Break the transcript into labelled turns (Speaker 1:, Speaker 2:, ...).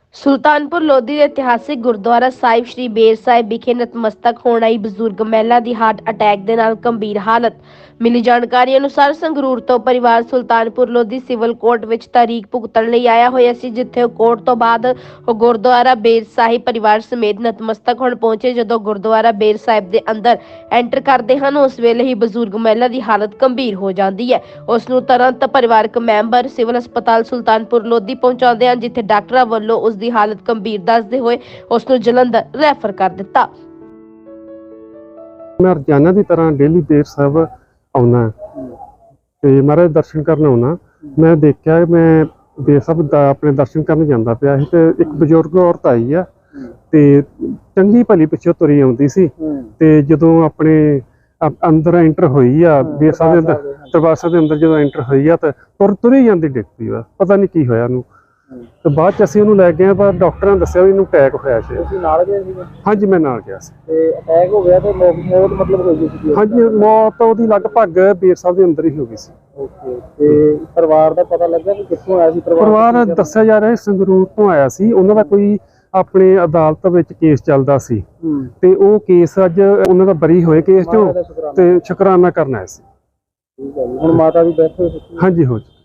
Speaker 1: ਸੁਲਤਾਨਪੁਰ ਲੋਧੀ ਦੇ ਇਤਿਹਾਸਿਕ ਗੁਰਦੁਆਰਾ ਸਾਹਿਬ ਸ੍ਰੀ ਬੇਰ ਸਾਹਿਬ ਵਿਖੇ ਨਤਮਸਤਕ ਹੋਣ ਆਈ ਬਜ਼ੁਰਗ ਮਹਿਲਾ ਦੀ ਹਾਰਟ ਅਟੈਕ ਦੇ ਨਾਲ ਗੰਭੀਰ ਹਾਲਤ। ਮਿਲੀ ਜਾਣਕਾਰੀ ਅਨੁਸਾਰ ਸੰਗਰੂਰ ਤੋਂ ਪਰਿਵਾਰ ਸੁਲਤਾਨਪੁਰ ਲੋਧੀ ਸਿਵਲ ਕੋਰਟ ਵਿੱਚ ਤਾਰੀਖ ਭੁਗਤਣ ਲਈ ਆਇਆ ਹੋਇਆ ਸੀ, ਜਿੱਥੇ ਉਹ ਕੋਰਟ ਤੋਂ ਬਾਅਦ ਉਹ ਗੁਰਦੁਆਰਾ ਬੇਰ ਸਾਹਿਬ ਪਰਿਵਾਰ ਸਮੇਤ ਨਤਮਸਤਕ ਹੋਣ ਪਹੁੰਚੇ। ਜਦੋਂ ਗੁਰਦੁਆਰਾ ਬੇਰ ਸਾਹਿਬ ਦੇ ਅੰਦਰ ਐਂਟਰ ਕਰਦੇ ਹਨ, ਉਸ ਵੇਲੇ ਹੀ ਬਜ਼ੁਰਗ ਮਹਿਲਾ ਦੀ ਹਾਲਤ ਗੰਭੀਰ ਹੋ ਜਾਂਦੀ ਹੈ। ਉਸ ਨੂੰ ਤੁਰੰਤ ਪਰਿਵਾਰਕ ਮੈਂਬਰ ਸਿਵਲ ਹਸਪਤਾਲ ਸੁਲਤਾਨਪੁਰ ਲੋਧੀ ਪਹੁੰਚਾਉਂਦੇ ਹਨ, ਜਿੱਥੇ ਡਾਕਟਰਾਂ ਵੱਲੋਂ ਉਸ ਦੀ ਹਾਲਤ ਗੰਭੀਰ ਦੱਸਦੇ ਹੋਏ ਉਸ ਨੂੰ ਜਲੰਧਰ ਰੈਫਰ ਕਰ ਦਿੱਤਾ।
Speaker 2: मैं रोजाना की तरह डेली बेर साहब आना तो महाराज दर्शन करन आना। मैं देखा मैं बेर साहब अपने दर्शन करने जाता पाया ਸੀ ਤੇ ਇੱਕ ਬਜ਼ੁਰਗ ਔਰਤ ਆਈ ਆ ਤੇ ਚੰਗੀ ਭਲੀ ਪਿੱਛੋਂ ਤੁਰੀ ਆਉਂਦੀ ਸੀ ਤੇ ਜਦੋਂ ਆਪਣੇ ਅੰਦਰ ਐਂਟਰ ਹੋਈ ਆ ਬੇਰ ਸਾਹਿਬ ਦੇ ਅੰਦਰ ਦਰਬਾਰ ਸਾਹਿਬ ਦੇ ਅੰਦਰ ਜਦੋਂ ਐਂਟਰ ਹੋਈ ਆ ਤਾਂ ਤੁਰੀ ਜਾਂਦੀ ਡਿੱਗ ਪਈ ਵਾ। ਪਤਾ ਨਹੀਂ ਕੀ ਹੋਇਆ ਉਹਨੂੰ ਤੇ ਬਾਅਦ ਚ ਅਸੀਂ ਉਹਨੂੰ ਲੈ ਗਏ ਪਰ ਡਾਕਟਰਾਂ ਨੇ ਦੱਸਿਆ ਵੀ ਇਹਨੂੰ ਅਟੈਕ ਹੋਇਆ ਸੀ।
Speaker 3: ਤੁਸੀਂ ਨਾਲ ਗਏ ਸੀ?
Speaker 2: ਹਾਂਜੀ ਮੈਂ ਨਾਲ ਗਿਆ ਸੀ।
Speaker 3: ਤੇ ਅਟੈਕ ਹੋ ਗਿਆ ਤੇ ਮੌਤ ਮਤਲਬ ਹੋ ਗਈ ਸੀ?
Speaker 2: ਹਾਂਜੀ ਮੌਤ ਉਹਦੀ ਲਗਭਗ ਬੇਰ ਸਾਹਿਬ ਦੇ ਅੰਦਰ ਹੀ ਹੋ ਗਈ ਸੀ।
Speaker 3: ਓਕੇ। ਤੇ ਪਰਿਵਾਰ ਦਾ ਪਤਾ ਲੱਗਾ ਕਿ ਕਿੱਥੋਂ ਆਇਆ ਸੀ?
Speaker 2: ਪਰਿਵਾਰ ਦੱਸਿਆ ਜਾ ਰਿਹਾ ਸੰਗਰੂਰ ਤੋਂ ਆਇਆ ਸੀ। ਉਹਨਾਂ ਦਾ ਕੋਈ ਆਪਣੇ ਅਦਾਲਤ ਵਿੱਚ ਕੇਸ ਚੱਲਦਾ ਸੀ ਤੇ ਉਹ ਕੇਸ ਅੱਜ ਉਹਨਾਂ ਦਾ ਬਰੀ ਹੋਏ ਕੇਸ ਚੋਂ ਤੇ ਸ਼ੁਕਰਾਨਾ ਕਰਨ ਆਇਆ ਸੀ।
Speaker 3: ਠੀਕ ਹੈ ਜੀ। ਹੁਣ ਮਾਤਾ ਦੀ ਡੈਥ ਹੋ ਚੁੱਕੀ?
Speaker 2: ਹਾਂਜੀ ਹੋ ਚੁੱਕੀ।